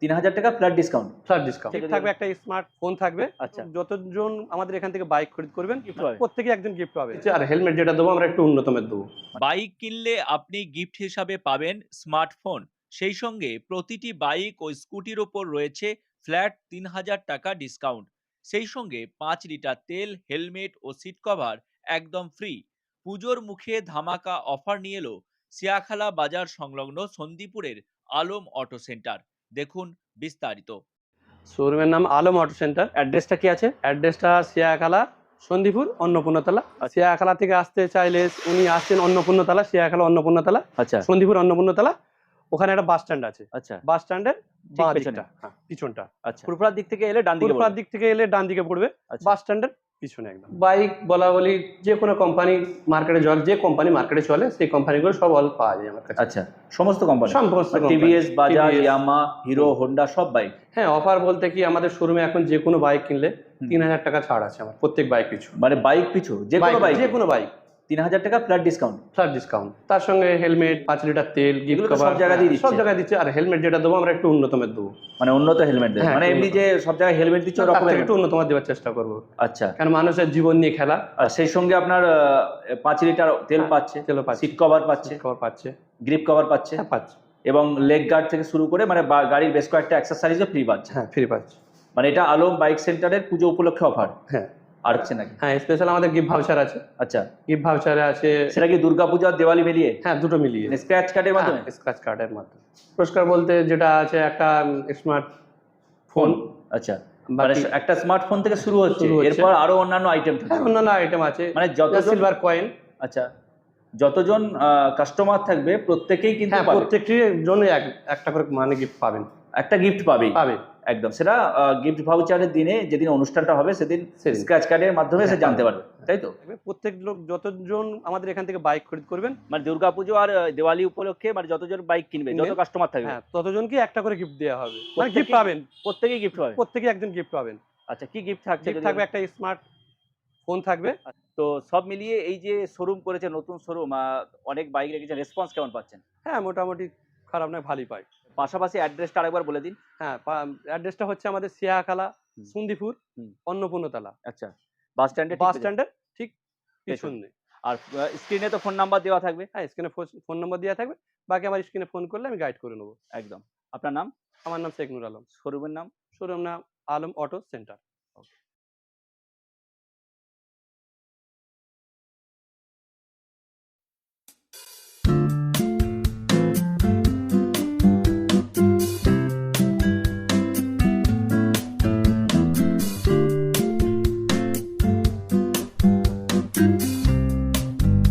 3000 টাকা flat discount. Flat discount থাকবে, একটা স্মার্টফোন থাকবে। আচ্ছা, যতজন আমাদের এখান থেকে বাইক খরিদ করবেন Gift পাবে। প্রত্যেকে একজন গিফট পাবে। আর হেলমেট যেটা দেবো আমরা একটু উন্নতমের দেবো। বাইক কিনলে আপনি গিফট হিসাবে পাবেন স্মার্টফোন, সেই সঙ্গে প্রতিটি বাইক ও স্কুটির ওপর রয়েছে ফ্ল্যাট 3000 টাকা ডিসকাউন্ট, সেই সঙ্গে 5 লিটার তেল, হেলমেট ও সিট কভার একদম ফ্রি। পুজোর মুখে ধামাকা অফার নিয়ে এলো সিয়াখালা বাজার সংলগ্ন সন্দীপুরের আলম অটো সেন্টার। দেখুন বিস্তারিত। শোরুমের নাম আলম অটো সেন্টার। অ্যাড্রেসটা কি আছে? অ্যাড্রেসটা সিয়াখালা, সন্দীপুর, অন্নপূর্ণতলা। সিয়াখালা থেকে আসতে চাইলে উনি আসছেন অন্নপূর্ণতলা, সিয়াখালা অন্নপূর্ণতলা, আচ্ছা সন্দীপুর অন্নপূর্ণতলা। ওখানে একটা বাস স্ট্যান্ড আছে। আচ্ছা বাস স্ট্যান্ডের ঠিক পেছনে? পিছনটা। আচ্ছা, পুরপুরার দিক থেকে এলে ডান দিকে পুরপুরার পড়বে। দিক থেকে এলে ডান দিকে পড়বে, আচ্ছা। বাস স্ট্যান্ডের পিছনে একদম। বাইক বলা বলি যে কোনো কোম্পানি মার্কেটে চলে, যে কোম্পানি মার্কেটে চলে সেই কোম্পানিগুলো সব অল পাওয়া যায় আমার কাছে। আচ্ছা, সমস্ত কোম্পানি, সমস্ত company। TVS, Bajaj, TVS, Yamaha, Hero, Honda সব বাইক। হ্যাঁ, অফার বলতে কি আমাদের শোরুমে এখন যে কোনো বাইক কিনলে 3000 টাকা ছাড় আছে আমার প্রত্যেক বাইক পিছু। মানে বাইক পিছু যে কোনো বাইক, যে কোনো বাইক 3000 টাকা ফ্ল্যাট ডিসকাউন্ট। ফ্ল্যাট ডিসকাউন্ট, তার সঙ্গে হেলমেট, 5 লিটার তেল, গিফট এগুলো তো কভার সব জায়গায় দিয়ে দিচ্ছে। সব জায়গায় দিচ্ছে। আর হেলমেট যেটা দেবো আমরা একটু উন্নতমের দেবো। মানে উন্নত হেলমেট দেবে, হ্যাঁ, মানে এমনি যে সব জায়গায় হেলমেট দিচ্ছে তার ওরকম থেকে একটু উন্নতমার দেওয়ার চেষ্টা করবো। আচ্ছা, কারণ মানুষের জীবন নিয়ে খেলা। আর সেই সঙ্গে আপনার 5 লিটার তেল হ্যাঁ, পাচ্ছে, তেলও পাচ্ছে, সিট কভার পাচ্ছে, কভার পাচ্ছে, গ্রিপ কভার পাচ্ছে, হ্যাঁ পাচ্ছে, এবং লেগ গার্ড থেকে শুরু করে মানে গাড়ির বেশ কয়েকটা অ্যাক্সেসরিজও ফ্রি পাচ্ছে। হ্যাঁ ফ্রি পাচ্ছে। মানে এটা আলম বাইক সেন্টারের পুজো উপলক্ষে অফার। হ্যাঁ আর হচ্ছে নাকি? হ্যাঁ, স্পেশাল আমাদের গিফট ভাউচার আছে। আচ্ছা, গিফট ভাউচারে আছে। সেটা কি দুর্গাপূজা আর দিওয়ালি মিলিয়ে? হ্যাঁ, দুটো মিলিয়ে স্ক্র্যাচ কার্ডের মাধ্যমে? স্ক্র্যাচ কার্ডের মাধ্যমে। পুরস্কার বলতে যেটা আছে একটা স্মার্ট ফোন। আচ্ছা, মানে একটা স্মার্টফোন থেকে শুরু হচ্ছে, এরপর আরো অন্যান্য আইটেম থাকে। হ্যাঁ, অন্যান্য আইটেম আছে, মানে যতজন সিলভার কয়েন। আচ্ছা, যতজন কাস্টমার থাকবে প্রত্যেকেই কিন্তু হ্যাঁ, প্রত্যেকটির জন্য একটা করে মানে গিফট পাবেন, একটা গিফট পাবে একদম। সেটা গিফট ভাউচারের দিনে, যেদিন অনুষ্ঠানটা হবে সেদিন স্ক্র্যাচ কার্ডের মাধ্যমে সে জানতে পারবে, তাই তো? প্রত্যেক লোক যতজন আমাদের এখান থেকে বাইক খরিদ করবেন, মানে দুর্গাপুজো আর দিওয়ালি উপলক্ষে মানে যতজন বাইক কিনবে, যত কাস্টমার থাকবে, হ্যাঁ ততজনকে একটা করে গিফট দেওয়া হবে। মানে গিফট পাবেন, প্রত্যেকেই গিফট পাবে, প্রত্যেকে একজন গিফট পাবেন। আচ্ছা, কি গিফট থাকছে? গিফট থাকবে একটা স্মার্ট ফোন থাকবে। তো সব মিলিয়ে এই যে শোরুম করেছে, নতুন শোরুম, অনেক বাইক রেখেছে, রেসপন্স কেমন পাচ্ছেন? হ্যাঁ, মোটামুটি খারাপ নয়, ভালোই পাই। পাশাপাশি অ্যাড্রেসটা আরেকবার বলে দিন। হ্যাঁ, অ্যাড্রেসটা হচ্ছে আমাদের সিয়াখালা, সন্দীপুর, অন্নপূর্ণতলা। আচ্ছা, বাস স্ট্যান্ডের ঠিক পিছনে। আর স্ক্রিনে তো ফোন নাম্বার দেওয়া থাকবে? হ্যাঁ, স্ক্রিনে ফোন নাম্বার দেওয়া থাকবে, বাকি আমার স্ক্রিনে ফোন করলে আমি গাইড করে নেবো। একদম। আপনার নাম? আমার নাম শেখ নুর আলম। শোরুমের নাম? শোরুম নাম আলম অটো সেন্টার।